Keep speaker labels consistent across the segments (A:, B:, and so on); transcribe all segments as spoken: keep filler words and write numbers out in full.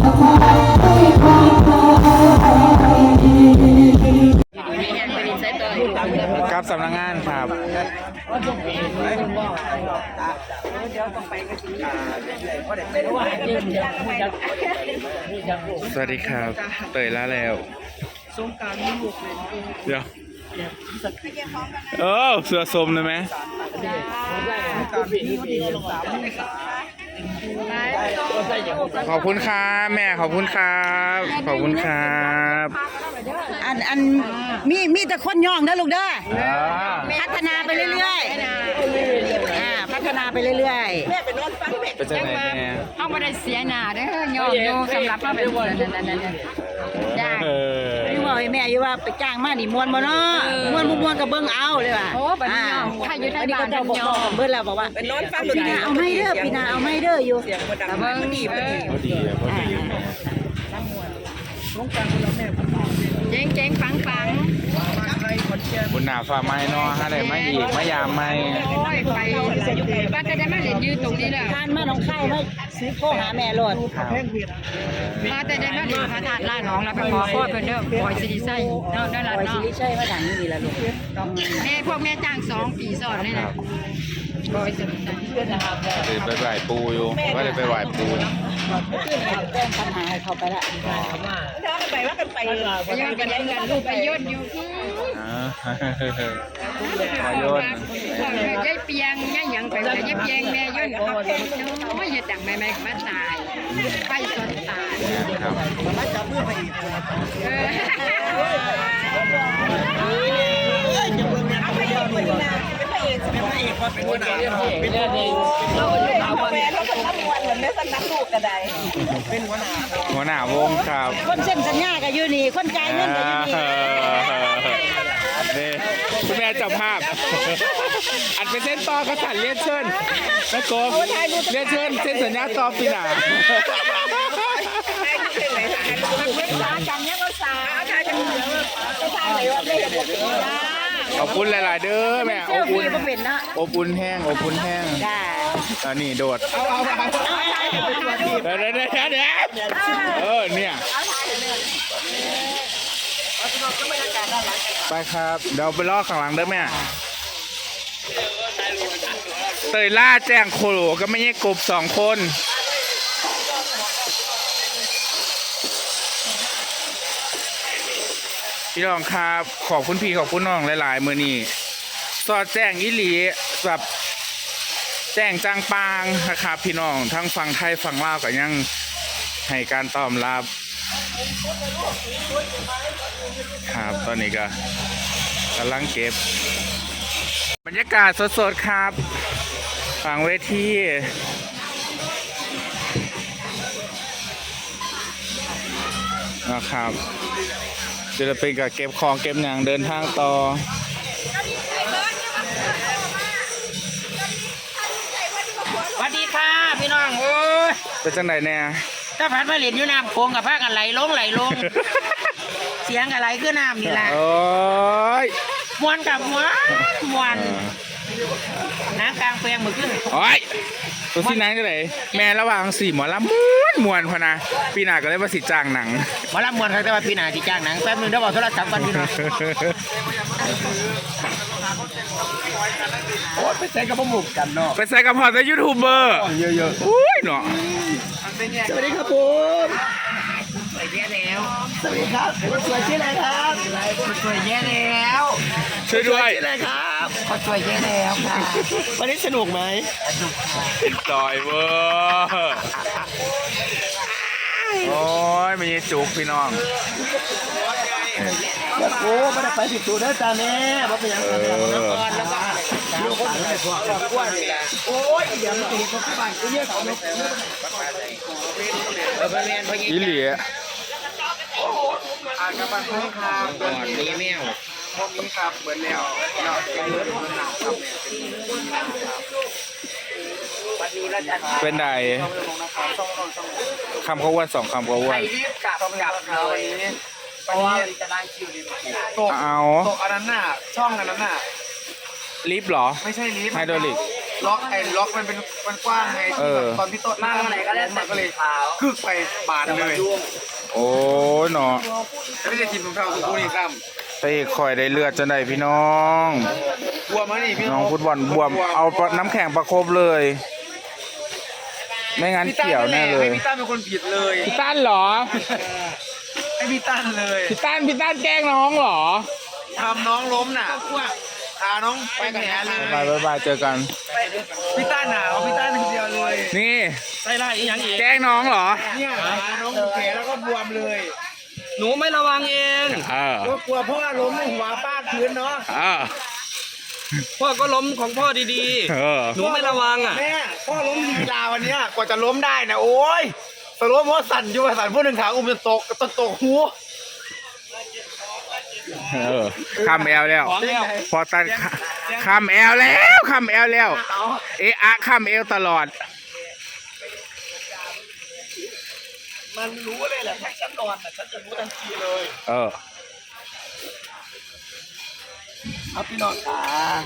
A: ครับสำนักงานครับสวัสดีครับเตยล่าแล้วสงการมีลูกเลยเดี๋ยวเออเสือสมเลยไหมขอบคุณครับแม่ขอบคุณครับขอบคุณครับ
B: อันอันมีมีแต่คนย่องนะลูกเด้อพัฒนาไปเรื่อยๆอ่าพัฒนาไปเรื่อยๆแม่ไปนอนฟังแม่
A: เป็นจังไหนแม่
C: เขาไม่ได้เสียหน้าเด้อย่องอยู่สำหรับเราเป็นคนนั่นๆๆได้
B: พี่บอกให้แม่อยู่ว่าไปจ้างมานี่มวนบ่เนาะมวนบ่มวนก็เบิ่งเอาเลยว่ะ
C: โอ้บัดนี้ย่องใครอยู่ในบ้าน
B: ก็ย่องเบิ่งแล้วบอกว่าเป็นนอนฟังปีหน้าเอาไม่เด้อปีหน้าเอาไม่เด้ออยู่เสียงบ่ดังเบิ่งดีบ่ดี
A: บ่ดีบ่ดี
C: เจ๊งเจ๊งฟังฟัง
A: บุญหนาฝ่าไม้เนาะฮะได้มาอีกมายามไม้
C: โอ้ยไปป้าจะได้มาเล่นยืนตรงนี้เลย
B: ทานมาน้องไข่มาซื้อโคหาแม่โลด
C: ป้าจะได้มาเล่นพระธาตุล่าน้องแล้วไปขอพ่อเพิ่นเด้อปล่อยสิริไส้เนาะได้ละเนาะ
B: สิริไส้มาดังนี่ล่ะลูก
C: แม่พวกแม่จ้างสองปีสอนเลยนะปล่อยสิริไส้
A: ไปไหว้ปูอยู่ว่าได้ไปไหว้ปู
B: แจ้งปัญหาให้เขาไปละไปว่ากันไป
C: ไปย้อนกันกันลูกไปย้อนอยู่
A: มาโยน
C: ยายเปียงยายหยังไปยายเปียงแม่ย้อนโอ้ยอย่าดังแม่แม่มาตายไปสนตาย
B: มาจับมือไปอีก
C: เออ
B: จะเบิ่งแม่เอาไปเดียวนี่บ่เป็นพระเอกเป็นพระเอกเป็นหัวหน้าเป็นหัวหน้าเราเป็นแฟนเราเป็นนักมวยเหมือนแม่สันนักลูกก็ได้เป็นหัวหน้า
A: หัวหน้าวงครับ
B: คนเส้นสัญญาก็อยู่นี่คนจ่ายเงินก็อยู่นี่
A: นี่คุณแม่จับภาพอันเป็นเส้นต่อกระสันเลียนเชิญแล้วก็เลียนเชิญเส้นสัญญาต่อปีหน้าขอบคุณหลายๆเด้อแม่อบอุ่นอบอุ่นแห้งอบอุ่นแห้งอันนี้โดดเดี๋ยวเดี๋ยวเดี๋ยวเดี๋ยวเออเนี่ยไปครับเดี๋ยวไปลอกข้างหลังเด้อแม่เตยล่าแจ้งโคโลก็ไม่ใช่กบสองคนพี่น้องครับขอบคุณพี่ขอบคุณน้องหลายๆมือนี้สอดแจ้งอิหลีแบบแจ้งจางปางนะครับพี่น้องทั้งฝั่งไทยฝั่งลาวก็ยังให้การตอบรับครับตอนนี้ก็กำลังเก็บบรรยากาศสดๆครับฝั่งเวทีนะครับศิลปินกับเก็บของเก็บหนังเดินทางต่อ
D: สวัสดีค่ะพี่น้องโอ้ย
A: เป็นจังไหนเนี่ย
D: ถ้าพัดมาเหรียญอยู่น้ำโขงกับผ้ากันไหลลงไหลลง เสียงอะไรคือน้ำนี่แหละ
A: โอ้ย
D: มวนกับมวนมวนน้ำกลางเปลงมือขึ้น
A: โอ้ยตัวที่นั่งจะไหนแม่ระหว่างสี่หมอลำม้วนมวนพนะปีหน้าก็เลยมาสิจ้างหนัง
D: หมอลำมวนใครแต่ว่าปีหน้าที่จ้างหนังแป๊บนึงเดี๋ยวบอกโทรศัพท์กันพี่น้องโอ้ไปใส่กับพวกหมุกกันเนาะ
A: ไปใส่กับพอร์ตยูทูบเบอร์เยอะๆอุ้ยเนาะ
D: สวัสดีครับผมสวยแย่แล้วสวัสดีครับคนสวยชื่ออะไรครับคนสวยแย่แล้ว
A: ช่วยด้วย
D: ชื่ออะไรครับคนสวยแย่แล้วค่ะวันนี้สนุกไหม
A: สนุกต่อยเวอร์โอ้ยมีจุกพี่น้อง
D: โอ้ไม่ได้ไปผิดตัวได้ตาแน่บ่เป็นอย่างนั้นก่อนแล้วก็ดูคนไหนพวกเราอ้วนนี่แหละโอ้ยเดี๋ยวมันติดพวกบ้านกูเนี่ยเขาเนี่ยเออเป็นแมนพอดี
A: อีหลี
D: อ่านกับบ้านเขาครับก่อนมีแมวพวกนี้ครับเหมือนแล้วเนาะเป็นรถมันหนาวครับ
A: เป็นไดคำเขาว่าสองคำเขาว่า
D: ใครรีบกลับกลับเลยเพราะว่าจะได้คิวรีบตก
A: เอา
D: ตกอันนั้นน่ะช่องอันนั้นน่ะ
A: ลิฟต์เหรอ
D: ไม่ใช่ลิฟต์
A: ไฮดรอลิก
D: ล็อกไอ้ล็อกมันเป็นมันกว้างไงตอนพี่ต้นมาไหนก็ได้มันก็เลยคึกไปบาดเลย
A: โอ้ยเนาะ
D: ไม่ได้ทีมของเราคือคู่นี้ซ้
A: ตะเอกคอยได้เลือดจังไดพี่น้อง
D: ำบัวมานี่พี่
A: น้องฟุตบอลบวมเอาน้ำแข็งประคบเลย ไม่งั้นเกี่ยวแน่เลย
D: พี่ตั้นเป็นคนผิดเลย
A: พี่ตั้นเหรอ
D: ไอ้พี่ตั้นเลย
A: พี่ตั้นพี่ตั้นแกล้งน้องเหรอ
D: ทำน้องล้มน่ะพาน้องไปแผลเลย
A: บายบายบายเจอกัน
D: พี่ตั้นหนาวพี่ตั้นคนเดียวเลย
A: นี่
D: ใส่ไล่อีกอย่างอีก
A: แกล้งน้องเหรอ
D: เนี่ยพาน้องแผลแล้วก็บวมเลย
B: หนูไม่ระวังเอง
A: เออ
D: ก็กลัวพ่อล้มหัวป้าพื้นเนาะ
A: เออ
B: พ่อก็ล้มของพ่อดี
A: เออ
B: ๆ หนูไม่ระวังอ่ะ
D: แม่พ่อล้มลีลาวันเนี้ยกว่าจะล้มได้นะโอ้ยสล้มเพราะสั่นอยู่สั่นผู้หนึ่งขาอุ้มจะตกตกตกหู
A: เออข้ามแอลแล้ว พอตันข้ามแอลแล้วข้ามแอลแล้ว เอะอะข้ามแอลตลอด
D: มันรู้เลยแหละถ้าฉันนอนน่ะฉันจะรู้ทันทีเลย
A: เออ
D: เอาพี่น้องขา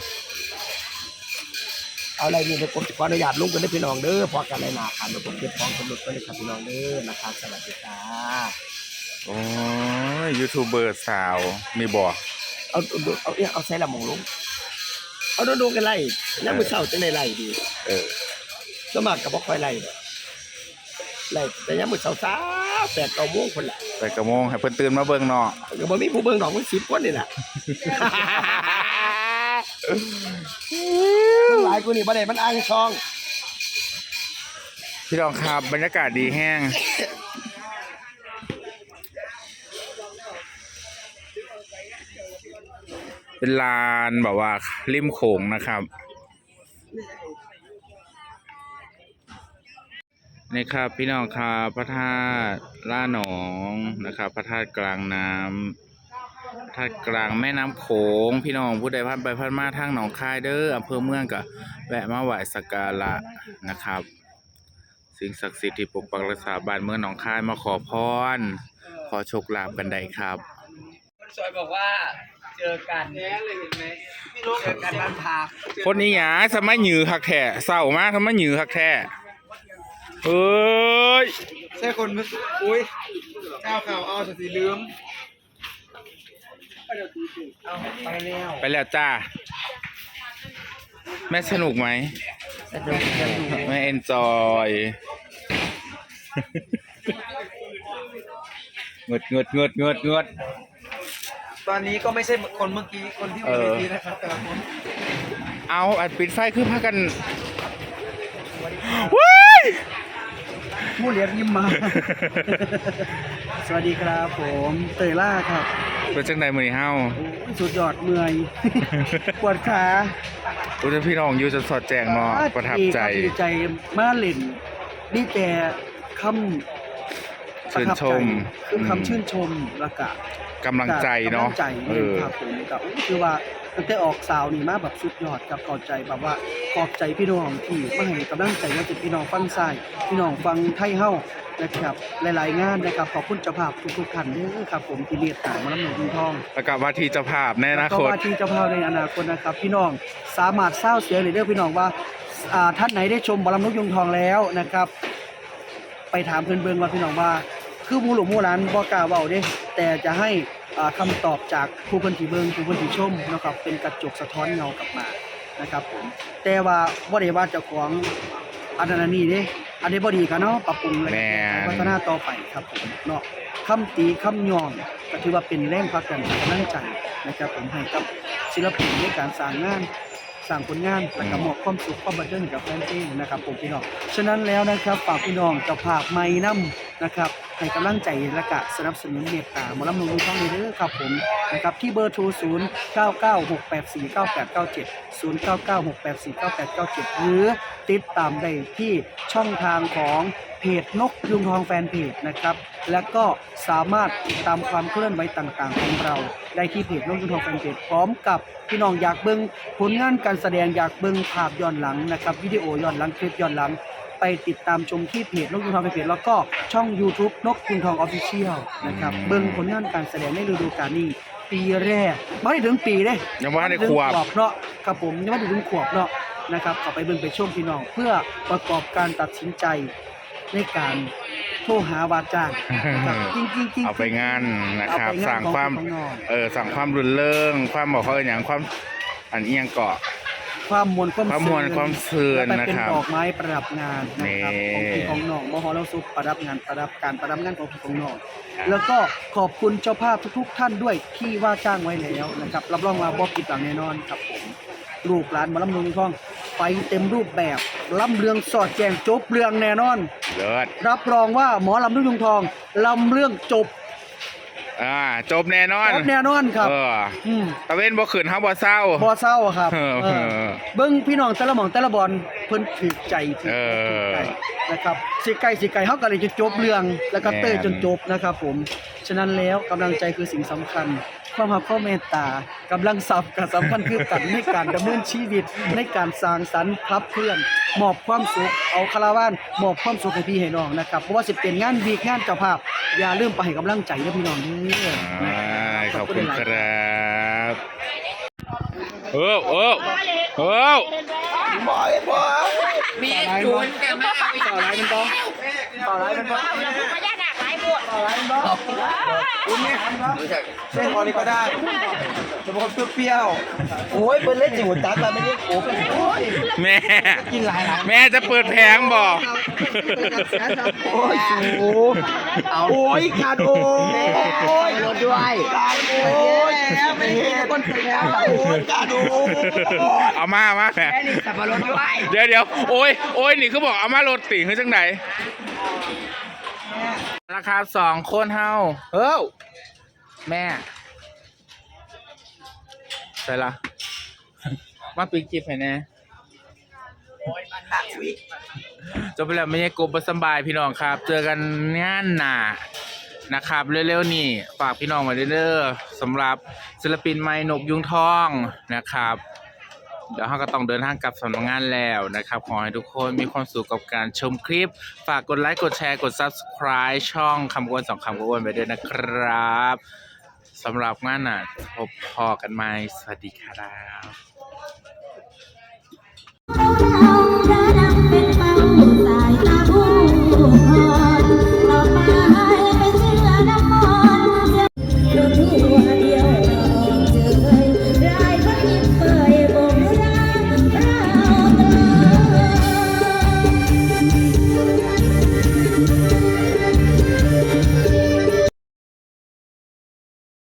D: เอาอะไรนี่เดี๋ยวผมขออนุญาตลุงกันได้พี่น้องเด้อพอกันไรหนาครับเดี๋ยวผมเก็บของสมุดไปเลยครับพี่น้องเด้อนะครับสวัสดีครับ
A: โอ้ยยูทูบเบอร์สาวมีบอก
D: เอาเอาเอาเอาเอาใส่ละหมองลุงเอาโดนๆกันไล่แล้วมือเศร้าจะได้ไล่ดี
A: เออ
D: สมัครกับบ่ค่อยไล่ไล่แต่ยังมือเศร้าสาวแปดเก้าโมงคนละ
A: ไปกระโมงให้เพิ่นตื่นมาเบิ่งเนาะ
D: ก็บ่มีผู้เบิ่งดอกมันสิบคนนี่แหละมันหลายกูนี่บ่ได้มันอ้างช่อง
A: พี่น้องครับบรรยากาศดีแห้ง เป็นลานแบบว่าริมโขงนะครับ นี่ครับพี่น้องครับพระธาตุล่าหนองนะครับพระธาตุกลางน้ำพระธาตุกลางแม่น้ำโขงพี่น้องผู้ใดผ่านไปผ่านมาทางหนองคายเด้ออำเภอเมืองก็แวะมาไหว้สักการะนะครับ สิ่งศักดิ์สิทธิ์ที่ปกปักรักษาบ้านเมืองหนองคายมาขอพรขอโชคลาภกันได้ครับ
B: คนสวยบอกว่าเจอกันแย่เลยเห็นไหมเจอกันบ้านพัก
A: คนนี้หยาสมัยหยือคักแท้เศร้ามากสมัยหยือคักแท้เอ้ย
D: ใช่คนอุ้ยเจ้าข่าวเอาสติลืมเอาไปแล้ว
A: ไปแล้วจ้าแม่สนุกไหมแม่เอนจอยเงดเงดเงดเงดเงด
D: ตอนนี้ก็ไม่ใช่คนเมื่อกี้คนที่วันนี้นะครับแต่ละคน
A: เอาอัดปิดไฟคือพากันว้าย
D: ผู้เลี้ยงยิ้มมา สวัสดีครับผมเตยล่าครับ
A: เป็นจังใดมือนี้เฮา
D: สุดยอดเมื่อย ปวดขา
A: อุตพี่น้องอยู่จนสอดแจงเนาะประทับใจ
D: ดีใจมาเล่นนี่แต่คำ
A: ชื่นชม
D: คือคำชื่นชมแล้วก็
A: กำลังใจเนาะ
D: กำลังใจ
A: เออ
D: ครับผมกับคือว่าตั้งแต่ออกสาวนี่มาแบบสุดยอดกับขอบใจแบบว่าขอบใจพี่น้องที่มาให้กำลังใจว่าจะพี่น้องฟังซ้ายพี่น้องฟังไทยเฮานะครับหลายๆงานนะครับขอบคุณเจ้าภาพทุกๆท่านเด้อครับผมที่เรียกตามมาลำหนุนทอง
A: แล้วก็ว่าที่เจ้าภาพในอนา
D: แล้วก็
A: คต
D: ว่าที่เจ้าภาพในอนาคตนะครับ พี่น้องสามารถเศร้าเสียเลยเด้อพี่น้องว่าอ่าท่านไหนได้ชมบอลำนุกยุงทองแล้วนะครับ ไปถามเพื่อนเบิ่งว่าพี่น้องว่า คือหมู่หลวงหมู่หลานบ่กล้าเว้าเด้แต่จะให้อ่าคำตอบจากผู้เพิ่นที่เบิ่งผู้เพิ่นที่ชมนะครับเป็นกระจกสะท้อนเงากลับมานะครับผมแต่ว่าบ่ได้ว่าเจ้าของอันนั้นอันนี้เด้อันนี้บ่ดีกันเนาะปรับปรุงและ
A: แม่น
D: พัฒนาต่อไปครับผมเนาะคำตีคำย่องก็ถือว่าเป็นแรงผลักดันกำลังใจนะครับผมให้กับศิลปินในการสร้างงานสร้างผลงานและก็มอบความสุขความบันเทิงให้กับแฟนเพลงนะครับผมพี่น้องฉะนั้นแล้วนะครับฝากพี่น้องเจ้าภาพไม้นำนะครับให้กำลังใจและก็สนับสนุนเมตตาหมอลำนุ่งช่องนี้เด้อครับผมนะครับที่เบอร์โทรศูนย์ เก้า เก้า หก แปด สี่ เก้า แปด เก้า เจ็ด ศูนย์ เก้า เก้า หก แปด สี่ เก้า แปด เก้า เจ็ดหรือติดตามได้ที่ช่องทางของเพจนกยุงทองแฟนเพจนะครับแล้วก็สามารถติดตามความเคลื่อนไหวต่างๆของเราได้ที่เพจนกยุงทองแฟนเพจพร้อมกับพี่น้องอยากเบิ่งผลงานการแสดงอยากเบิ่งภาพย้อนหลังนะครับวิดีโอย้อนหลังคลิปย้อนหลังไปติดตามชมที่เพจนกยุงทองแฟนเพจแล้วก็ช่อง YouTube นกยุงทอง Official นะครับเบิ่งผลงานการแสดงในฤดูกาลนี้ปีแรกไม่ถึงปีเด้
A: ยังว่าได้ขวบ
D: เนาะครับผมยังไม่ถึงขวบเนาะนะครับเข้าไปเบิ่งไปชมพี่น้อง เพื่อประกอบการตัดสินใจในการโทรหาวาจ้างนะครับจริงๆจริงๆ
A: เอาไปงานนะครับ
D: เอไป
A: สั่ง
D: ของ
A: ความ
D: ของน้อง
A: เออสั่งความรุนเริงความบอกเขาอย่างความอันเอียงเกาะ
D: ความมวลความ
A: ความมวลความเสื่อม
D: และ
A: นะครับ
D: เป็นดอกไม้ประดับงานนะครับ
A: นี่
D: ของพี่ของน้องมหรสพประดับงานประดับการประดับงานของพี่ของน้อง
A: ครับ
D: แล้วก็ขอบคุณเจ้าภาพทุกๆท่านด้วยที่ว่าจ้างไว้แล้วนะครับรับรองว่าบ่ผิดหวังแน่นอนครับผมลูกหลานหมาลำเลืองทองไปเต็มรูปแบบลำเรืองสอดแจงจบเรื่องแน่นอน
A: เลิศ
D: รับรองว่าหมอลำเรื่องทองลำเรื่องจบ
A: อ่าจบแน่นอน
D: จบแน่นอนครับ
A: เออ
D: อืม
A: ตะเวนบ่ขืนเฮาบ่เศร้า
D: บ่เศร้าครับ
A: เออ
D: เออเบิ่งพี่น้องแต่ละหม่องแต่ละบอลเพิ่นถูกใจถูก
A: เออ
D: ถูกใจนะครับสิไก่สิไก่เฮาก็เลยจะจบเรื่องแล้วก็เต้ย
A: แม่น
D: จนจบนะครับผมฉะนั้นแล้วกำลังใจคือสิ่งสำคัญ ความรักความเมตตากำลังทรัพย์ก็สำคัญคือกันในการดำเนินชีวิตในการสร้างสรรค์ขับเคลื่อนมอบความสุขเอาคาราวานมอบความสุขให้พี่ให้น้องนะครับเพราะว่าสิเป็นงานวีคงานเจ้าภาพอย่าลืมไปให้กำลังใจเด้อพี่น้องเด้อ
A: อ่า
D: นะ
A: ขอบคุณ
D: หลาย
A: ค
D: ๆ
A: รับเออเออเออ
C: มีจูนกันมาเอาอีก
D: ต่อไรมันบ่ต่อไรมันบ่
B: พญานาคหลายบวช
D: ต่อไรมันบ่อุ้มนี่หันบ่เส้นพอนี้ก็ได้จะเป็นคนเปรี้ยวๆโอ้ยเปิ้นเล่นจิ๋วตัดมาไม่ได้โอ้โอ้ย
A: แม่
D: กินหลายหลาย
A: แม่จะเปิดแผงบ่
D: โอ้ยสูเอาโอ้ยขาดโอ้ยรถด้วยขาดโอ้ยแล้วไม่เห็นคนถึงแล้วโอ้ยขาดโอ้ย
A: เอามามาแม่
D: สับปะรดด้วย
A: เดี๋ยวเดี๋ยวโอ้ยโอ้ยนี่คือบอกเอามารถติคือจังไหนราคาสองคนเฮาเอ้าแม่ใส่ละมาปีกิบให้แน่จบไปแล้วไม่ใช่กบสำบายพี่น้องครับ เจอกันงานหนานะครับเร็วๆนี่ฝากพี่น้องไว้เด้อสำหรับศิลปินไม้นกยุงทองนะครับ เดี๋ยวเราก็ต้องเดินทางกลับสำนักงานแล้วนะครับขอให้ทุกคนมีความสุขกับการชมคลิป ฝากกดไลค์กดแชร์กด ซับสไครบ์ ช่องคำกวนสองคำกวนไปด้วยนะครับสำหรับงานน่ะพบพอกันใหม่สวัสดีครับ
E: เรา